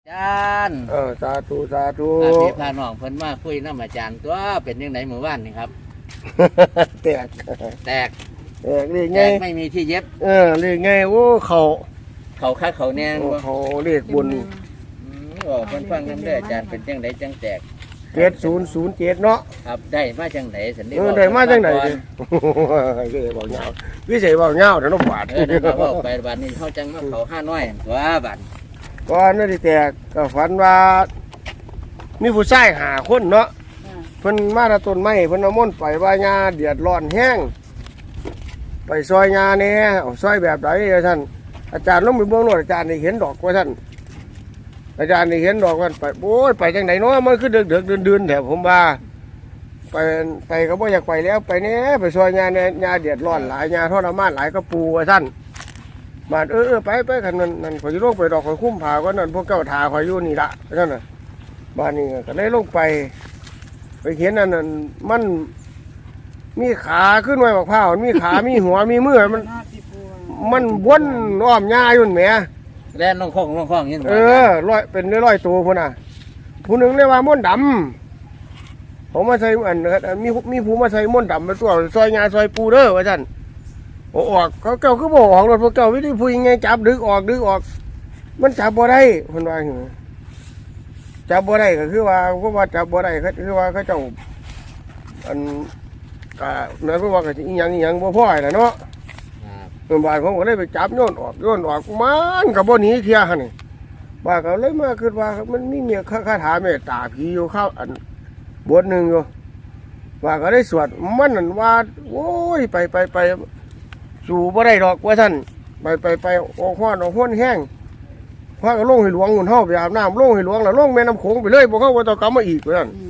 อาจารย์สาธุสาธุพี่พาน้องเพิ่นมาคุยน้ำอาจารย์ตัวเป็นยังไงหมู่บ้านนี่ครับแตกเรียกไงไม่มีที่เย็บเรียกไงโอ้เขาคักเขาแนงเขาเรียกบุญเพิ่นฟังน้ำเด้ออาจารย์เป็นจังไดจังแตก 7007เนาะครับได้มาจังไดสันนิษฐานได้มาจังไดก็บอกเงาวิเศษบอกเงาเดี๋ยวน้องบาดบอกไปบาดนี้เขาจังมาเขา5น้อยตัวบาดก่อนนั่นที่แตกก็ฝันว่ามีผู้ชาย5คนเนาะเพิ่นมาตะต้นไม้เพิ่นเอาม่นไปว่าญาเดือดร้อนแห้งไปซอยญาแน่ซอยแบบไหนท่านอาจารย์ลงไปเบื้องโน้นอาจารย์ได้เห็นดอกว่าท่านอาจารย์ได้เห็นดอกว่าไปโอ้ยไปจังไหนเนาะมันคือเดือดเดือนแถวผมว่าไปก็บ่อยากไปแล้วไปแน่ไปซอยญาเนี่ยญาเดือดร้อนหลายญาทรมานหลายก็ปูว่าท่านบาดไปกันนั่นขอยลงไปดอกขอยคุ้มผาก็นั่นพวกเจ้าทาขอยอยู่นี่ละท่านน่ะบ้านนี้ก็เลยลงไปเห็นนั่นมันมีขาขึ้นไว้บอกผ้ามีขามีหัวมีมือมันวนอ้อมหญ้าอยู่แหมแล่นลงคลองนี่ร้อยเป็นร้อยตัวพุ่นน่ะผู้หนึ่งเรียกว่าม่นดำผมมาใส่มีผู้มาใส่ม่นดำมาตัวซอยหญ้าซอยปูเด้อว่าท่านออกเขาเก่าคือบอกออกรถพวกเก่าวิธีพูดยังไงจับดึกออกมันจับบ่ได้คนว่าอย่างนี้จับบ่ได้ก็คือว่าจับบ่ได้คือว่าเขาเจ้าอันนั่นเพราะว่าก็อีหยังบ่พอแหละเนาะบ้านผมก็เลยไปจับโยนออกมันกับบ่หนีเที่ยหั่นนี่บ้านก็เลยมาคิดว่ามันมีคาถาเมตตาผีอยู่เข้าอันบทหนึ่งอยู่บ้านก็ได้สวดมันนั่นว่าโอ้ยไปสู่บ่ได้ดอกว่าท่านไปออกห้อนแห้งพระก็ลงให้หลวงหุ่นเฮาไปอาบน้ำลงให้หลวงแล้วลงแม่น้ำโขงไปเลยบ่เข้าว่าต้องกลับมาอีกว่าท่าน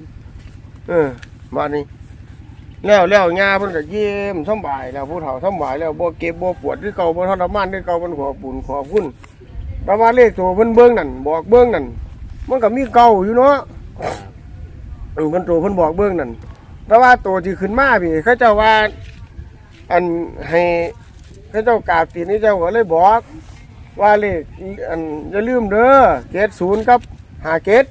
บ้านนี้แล้วงาเพิ่นก็เยี่ยมสบายแล้วผู้เฒ่าสบายแล้วบ่เก็บบ่ปวดคือเก่าบ่ทรมานคือเก่ามันขอบุญขอบคุณประมาณเลขตัวเพิ่นเบิ่งนั่นบอกเบิ่งนั่นมันก็มีเก่าอยู่เนาะเพิ่นตัวเพิ่นบอกเบิ่งนั่นแต่ว่าตัวที่ขึ้นมาพี่เขาเจ้าว่าอันให้เขาเจ้ากราบตีนนี่เจ้าก็เลยบอกว่าเลขอันอย่าลืมเด้อ70กับ57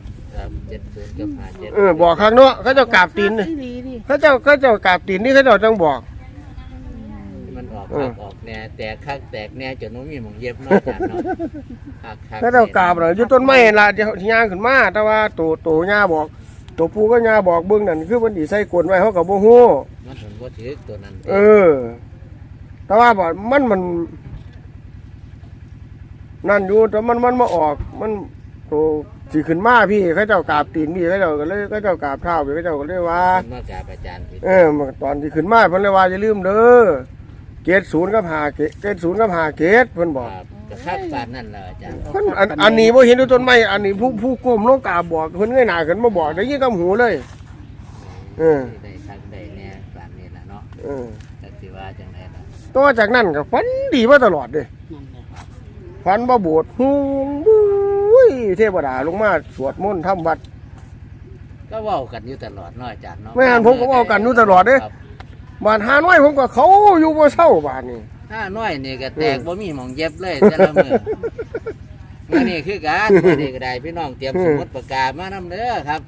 บอกข้างเนาะเขาเจ้ากราบตีนเขาเจ้ากราบตีนนี่เขาเจ้าต้องบอกมันออกแน่แตกคักแตกแน่จนน้องมีหมองเย็บเนาะอาจารย์เนาะเขาเจ้ากราบเลยอยู่ต้นไม้ละเดี๋ยวย่างขึ้นมาแต่ว่าตัวย่าบอกตัวปูก็ย่าบอกเบื้องนั่นคือมันดีใส่กวนไว้เขากับโบหูมันถึงว่าถือตัวนั้นแต่ว่าบอกมันนั่นอยู่แต่มันมาออกมันตัวสิขึ้นมาพี่เขาเจ้ากราบตีนพี่เขาเจ้าก็เลยเขาเจ้ากราบเท้าพี่เขาเจ้าก็เลยว่ามากราบอาจารย์ตอนที่ขึ้นมาเพิ่นเลยว่าอย่าลืมเด้อ70กับ50เพิ่นบอกกระคักปานนั่นแหละอาจารย์เพิ่นอันนี้บ่เห็นด้วยต้นไม้อันนี้ผู้ก้มลงกราบบอกเพิ่นเงยหน้าขึ้นมาบอกได้ยินกับหูเลยได้คักได้แน่ปานนี้ล่ะเนาะแต่สิว่าจังได๋ล่ะต่อจากนั้นก็ฝันดีมาตลอดเด้ฝันบ่โบสถ์ฮู้เทวดาลงมาสวดมนต์ทำวัดก็เว้ากันอยู่ตลอดเนาะอาจารย์เนาะแม่นผมก็เว้ากันอยู่ตลอดเด้บ้านหาน้อยผมก็เขาอยู่บ่เศร้าบ้านนี้หาน้อยนี่ก็แตกบ่มีหม่องเย็บเลยแต่ละมื้อนี่คือการนี่ก็ได้พี่น้องเตรียมสมุดปากกามานำเด้อครับ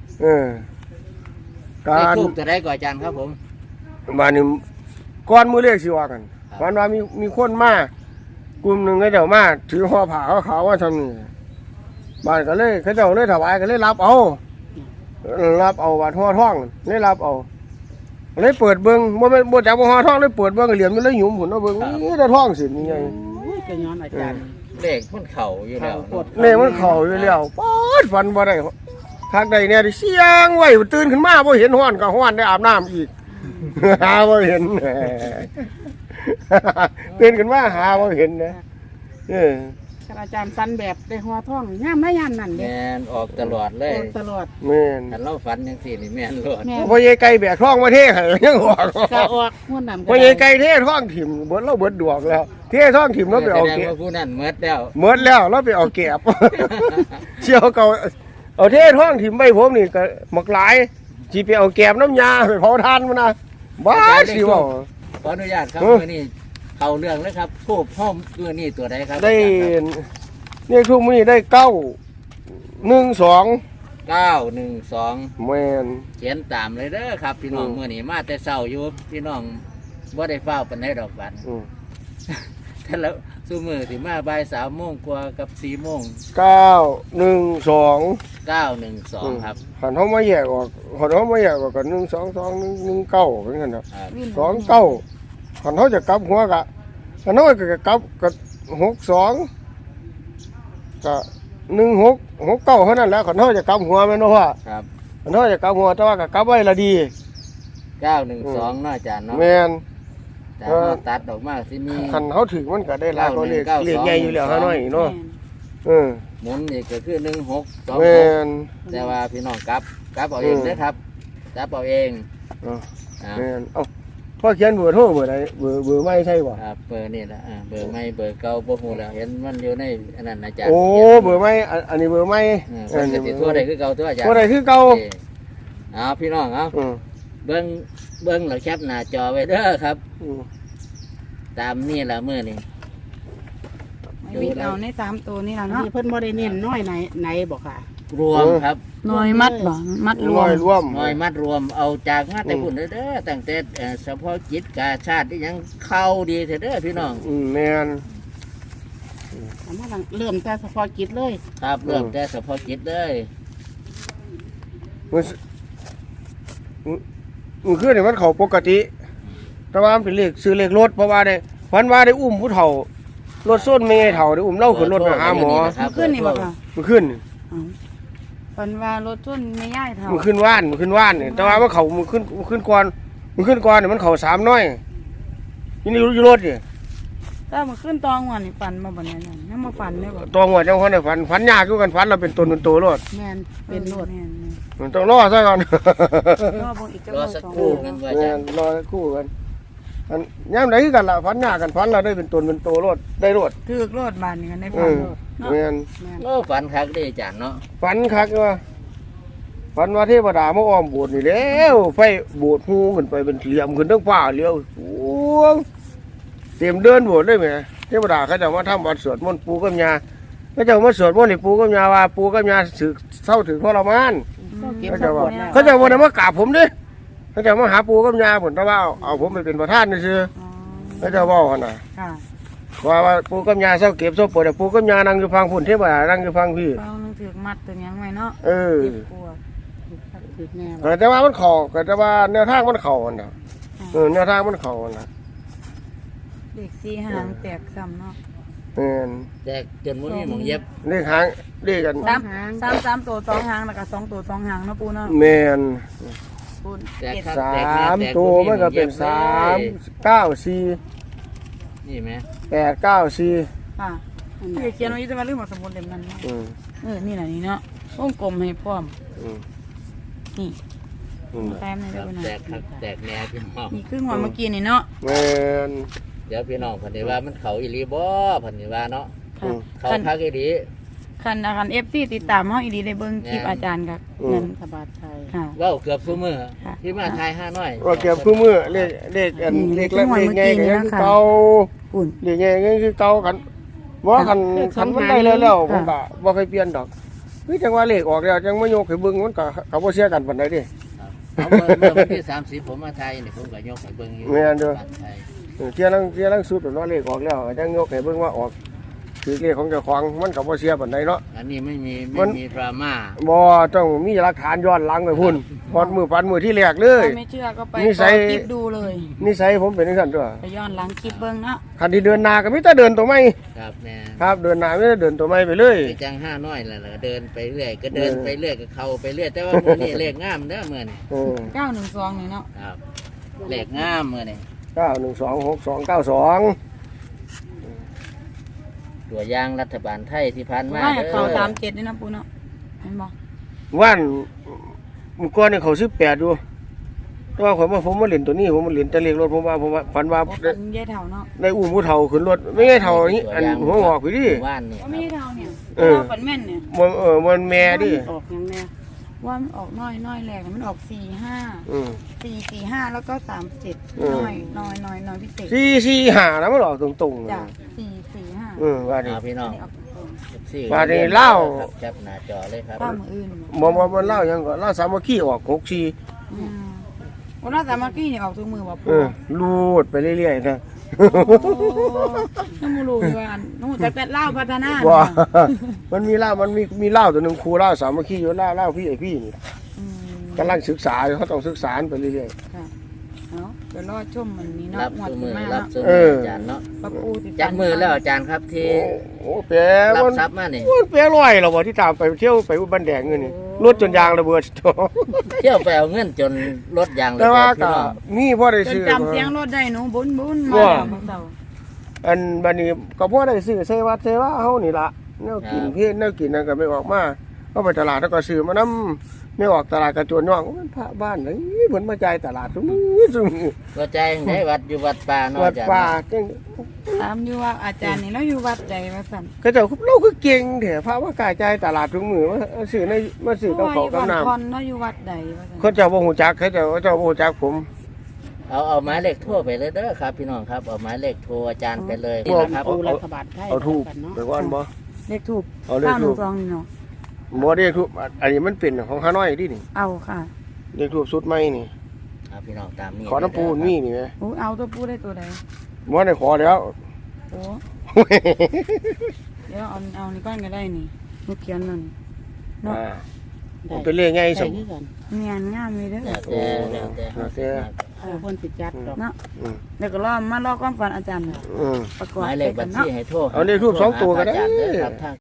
การทูบจะได้ก่อนอาจารย์ครับผมบ้านนี้ก่อนมื้อเลขสิว่ากันวันว่ามีคนมากลุ่มหนึ่งก็เจ้ามาถือห่อผ้าขาวว่าทำนี่บ้านก็เลยเขาเจ้าเลยถวายก็เลยรับเอาบาดห่อท่องเลยรับเอาเลยเปิดเบิ้งบ่จับห่อท่องเลยเปิดเบิ้งเหลี่ยมเลยหยุ่มหุ่นเอาเบิ้งนี่จะท่องสินี่ไงจะย้อนอาจารย์เลขมันเข่าอยู่แล้วเลขมันเข่าอยู่แล้วป๊อดฟันบ่ได้ทักใดเนี่ยเสียงไว้ตื่นขึ้นมาบ่เห็นห้อนก็ห้อนได้อาบน้ำอีกหาบ่เห็นตื่นขึ้นมาหาบ่เห็นนะอาจารย์ฟันแบบได้หัวท่องย่ามไม่ย่ามนั่นแม่นออกตลอดเลยตลอดแม่นแต่เราฟันยังสี่นี่แม่นโลดพอยายไก่แบกท่องมาเท่ให้ยังออกก็ออกหัวหนำพอยายไก่เท่ท่องถิ่มเบิดเราเบิดดวกแล้วเท่ท่องถิ่มเราไปเอาเก็บผู้นั้นเมิดแล้วเราไปเอาเก็บเชี่ยวเก่าเอาเท่ท่องถิ่มไปผมนี่ก็หมักหลายจีไปเอาแก็บน้ำยาไปเผาทานมันนะบ้าสิว่าขออนุญาตครับมื้อนี้เข้าเรื่องเลยครับทูบห้อมตัวนี้ตัวใดครับได้นี่ทุกมื้อได้9 912 แม่นเขียนตามเลยเด้อครับ พี่น้องอืมมื้อนี้มาแต่เช้าอยู่พี่น้องบ่ได้เฝ้าปานใดดอกบัด แต่แล้วซุมื้อสิมาบ่าย3โมงกว่ากับ4โมง 912 912ครับหันเฮามาแยกออกหันเฮามาแยกออกกัน122 119เป็นกันครับครับ 29หันเฮาจะกลับหัวกะหันเฮาก็กลับกับ62ก็1669เท่านั้นแหล้วหันเฮาจะกลับหัวแม่นบ่ว่าครับหันเฮาจะกลับหัวแต่ว่าก็กลับไว้ละดี 912เนาะอาจารย์เนาะแม่นแต่ว่าตัดออกมาสิมีคันเฮาถึงมันก็ได้หลายกว่าเลขใหญ่อยู่แล้วฮะน้อยเนาะเออหมุนนี่ก็คือแม่ 1626 นแต่ว่าพี่น้องกลับเอาเองเด้อครับกลับเอาเองเอออ่าแม่นเอ้าพ่อเขียนเบอร์โทรเบอร์ใดเบอร์ไม่ใช่บ่ครับเบอร์นี่ละเบอร์ไม่เบอร์เก่าบ่ฮู้แล้วเห็นมันอยู่ในอันนั้นอาจารย์โอ้เบอร์ไม่อันนี้เบอร์ไม่เพิ่นก็สิทั่วได้คือเก่าตัวอาจารย์ทั่วได้คือเก่าโอเคเอาพี่น้องเอาอืมเบิ่งแล้วแคปหน้าจอไว้เด้อครับอืมตามนี่ละมื้อนี้ไม่วิ่งเอาใน3ตัวนี่ล่ะอันเนาะนี้เพิ่นบ่ได้เน้นน้อยไหนบอกค่ะรวมครับน้อยมัดบ่มัดรวร้อมยรวมน้อยมัดรวมเอาจากมาแต่พุ่นเด้อตั้งแต่เฉพาะกิจกาชาติที่ยังเข้าดีเถอะเด้อพี่น้องแม่นสามารถเริ่มแต่เฉพาะกิจเลยครับเริ่มแต่เฉพาะกิจเลยมันคือเนี่ยมันเข้าปกติ แต่ว่ามันเป็นเลขซื้อเลขรถเพราะว่าได้วันว่าได้อุ้มผู้เฒ่ารถส้นไม่ไงเฒ่าได้อุ้มเล่าขึ้นรถไปหาหมอครับขึ้นนี่บ่ค่ะมันขึ้นอ๋อฝันว่ารถชนไม่ย่ายเท่ามันขึ้นว่านเนี่ยแต่ว่ามันเขามันขึ้นก่อนเนี่ยมันเขา3น้อยนี่อยู่รถนี่ถ้ามันขึ้นตองหัวนี่ฝันมาบ่เนี่ยยังมาฝันได้บ่ตัวหัวจังคนเนี่ยฝันยากอยู่กันฝันเราเป็นตนเป็นตัวรถแม่นเป็นรถแม่นมันต้องรอซะก่อนๆรอเบิ่งอีกจังรอหวะสักสองครู่นึงว่าแม่จะนรอคู่กันอันย่ำไหนคือกันล่ะฝันยากกันฝันเราได้เป็นตนเป็นตัวรถได้รถถือกรถบานนี่กันในเอฝันอรถเนาะแม่นแม่นโอ้ฝันคักเด้อาจารย์เนาะฝันคักว่าฝันว่าเทวดามาอ้อมโบสถ์นี่แล้วไฟโบสถ์ฮู้ขึ้นไปเป็นเหลี่ยมขึ้นทั้งฟ้าเลี้ยวสูงเต็มเดินโบสถ์ได้ไหมเทวดาเขาจะมาทำวัดสวดมนต์ปู่กับย่าเขาจะมาสวดมนต์ให้ปู่กับย่าว่าปู่กับย่าสึกเศร้าถึงทรมานก็เก็บเขาสจะปว่าอร์ตแล้วเขาจะว่ามากราบผมดิเขาจะมาหาปู่กับย่าผมแต่ว่าเอาผมไปเป็นประธานนี่ซื่ออ๋อเขาจะว่าหั่นน่ะค่ะว่าปู่กับย่าเศร้าเก็บเศร้าปวดแต่ปู่กับย่านั่งอยู่ฟังพุ่นเทวดานั่งอยู่ฟังพี่ฟังนึงถือกมัดตัวยังไว้เนาะเออเจ็บปวดถึกแน่ว่ะแต่ว่ามันเข่าแต่ว่าแนวทางมันเข่าอันน่ะแนวทางมันเข่าอันน่ะเด็กสีหางแตกซ้ำเนาะแม่นแจกจนบ่มีหมองเย็บเลขหางเลขกันสามตัว2หางแล้วก็2ตัว2หางเนาะปูเนาะแม่นปูแจกเจ็ดครับสาแจกแน่มแจกตัวบ่มันก็เป็นหองย็บลย 3 9 4 นี่ไหม 8 9 4 ค่ะที่เขียนไว้จะมาลืมเอาสมุดเล่มนั้นเนาะอืมนี่แหละนี่เนาะวงกลมให้พร้อมอืมนี่อืมแต้มนี่คได้รับบ่นะแจกครับแจกแน่พี่น้องนี่ครึ่งวันเมื่อกี้นี่เนาะแม่นเดี๋ยวพี่น้องเพันธิว่ามันเขาอีหลีบ่เพันธิว่าเนาะอืมเขาคันคักอีหลีคันFCติดตามเฮาอีดีได้เบิ่งคลิปอาจารย์กับอืมเงินสบายใจค่ะเว้าเกือบซุมื้อค่ะที่มาทาย5น้อยว่าเก็บคู่มือเลขอันเลขละเลขใหญ่ก็ยังคือเก่าอุ่นเลขใหญ่ก็ยังคือเก่ากันบ่คันมันได้แล้วผมก็บ่เคยเปลี่ยนดอกคือจังว่าเลขออกแล้วจังมายกให้เบิ่งมันก็เขาบ่เสียกันปานใดเด้เอาเมื่อวันที่30ผมมาทายนี่ผมก็ยกให้เบิ่งอยู่แม่นเด้อบ้านไทยเที่ยลังสุดเนาะเลขออกแล้วจังยกให้เบิ่งว่าออกคือเลขของเจ้าของมันก็บ่เสียปานใดเนาะอันนี้ไม่มัไม่นมีดราม่าบ่ต้องมีหลักฐานย้อนหลังไปพุ่นพอดมือปันมือที่แรกเลยถ้าไม่เชื่อก็ไปนิสัยคลิปดูเลยนิสัยผมเป็นจังซั่นตัวไปย้อนหลังคลิปเบิ่งเนาะคันที่เดินหน้าก็มีแต่เดินตัวไม่ครับแม่ครับเดินหน้าไม่ได้เดินตัวไม่ไปเลยไปจัง5น้อยแล้วเดินไปเรื่อยก็เดินไปเรื่อยก็เข้าไปเรื่อยแต่ว่ามื้อนี้เลขงามเด้อมื้อนี้เออ 912นี่เนาะครับเลขงามมื้อนี้ 9126292 ตัวอย่างรัฐบาลไทยที่ผ่านมาว่าเด้เขาอ 37นี่นะปูเนาะเห็นบ่วันมื้อก่อนนี่เขา18อยู่แต่ว่าผมมาเล่นตัวนี้ผมมาเล่นแต่เลขรถผมว่าฝันว่าบ่เป็นยายเฒ่าเนาะได้อุ้มผู้เฒ่าขึ้นรถไม่ใช่เฒ่านี้อันหัวงอกไปดิว่านนี่คบ่รับมียายเฒ่าเนี่ยเออฝันแม่นเนี่ยมันแม่ดิออกยังแน่ว่ามันออกน้อยแรกมันออก45 อืม 445แล้วก็37น้อยพิเศษ 445แล้วมันออกตรงๆจ้ะ445 ว่าดิเอาพี่น้องนี่ออกตรง FC บาดนี้เล่าครับแคปหน้าจอเลยครับข้ามมืออื่นบ่เล่าหยังก็เล่าสามัคคีออก64 วันนั้นสามัคคีนี่ออกทุกมือบ่เอปู่อรูดไปเรื่อยๆนะน้ำมูรูว่าน้ำแต่เล่าพัฒนาว่ามันมีเหล้ามันมีเหล้าตัวหนึงครูเหล้าสามัคคีอยู่เหล้าพี่ไอ้พี่นี่กำลังศึกษาอยู่เขาต้องศึกษาไปเรื่อยค่ะเอาเดี๋ยวรอชมมันนี้รัเนาะบหมดซุขึ้มืนอมารับเนาะซุเอมือออาจารย์เนาะปะปูติจักมือแล้วอาจารย์ครับที่โอ้แปรรับมันทรัพย์มานี่มันแปรลอยเราบ่ที่ตามไปเที่ยวไปอุบันแดงเงินนี่รถจนยางระเบิดเที่ยวไปเอาเงินจนรถยางเลยแต่ว่าพี่ก็น้องมีพ่อได้จนซื้อจำเสียงรถได้หนูบุญมาว่าแล้วเต่าอันบัดนี้ก็พ่อได้ซื้อใส่วัดใส่ว่าเฮานี่ล่ะแนวกินเพศแนวกินนั่นก็ไม่ออกมาก็ไปตลาดแล้วก็ซื้อมานำไม่ออกตลาดกระโจนย่องมันพระบ้านเฮ้ยเพิ่นมาจ่ายตลาดซุมื้อก็ใจงได้วัดอยู่วัดป่าเนาะวัดอาจารย์ป่าเนาะจังถามอยู่ว่าอาจารย์นี่เราอยู่วัดใดว่าสั่นเขาเจ้าเราคือเก่งแท้พระว่ากายจ่ายตลาดทุกมื้อมาซื้อในมาซื้อกับเขาวกับน้ำพรเนาะอยู่วัดใดว่าสั่นเขาเจ้าบ่ฮู้จักเขาเจ้าบ่ฮู้จักผมเอาหมายเลขโทรไปเลยเด้อครับ พี่น้องครับเอาหมายเลขโทรอาจารย์ไปเลยบ่นะครับปูรัฐบาลไทยเอาทูบกันเนาะไปก่อนบ่เลขทูบเอาเลขทูบ 912นี่เนาะบ่ได้ทูบอันนี้มันเป็นของฮานอยดินี่เอาค่ะเลขทูบสุดใหม่นี่ครับพี่น้องตามนี้ขอน้ำปูนมีนี่แหมโอ้เอาตัวปูได้ตัวใดบ่ได้ขอแล้วโอ้เดี๋ยวเอานี่ก้อนก็ได้นี่ลูกเขียนนั่นเนาะอ่ามันเป็นเลขไงใส่สมคือกันเนียนงามเลยเด้อแล้วแต่แล้วแต่แล้วแต่เพิ่นสิจัดดอกเนาะอืมเดี๋ยวก็รอมารอความฝันอาจารย์อืมประกหอบมายเลขบัญชีให้โทรเอาเลขทูปสองตัวก็ได้อาจารย์เด้อครับ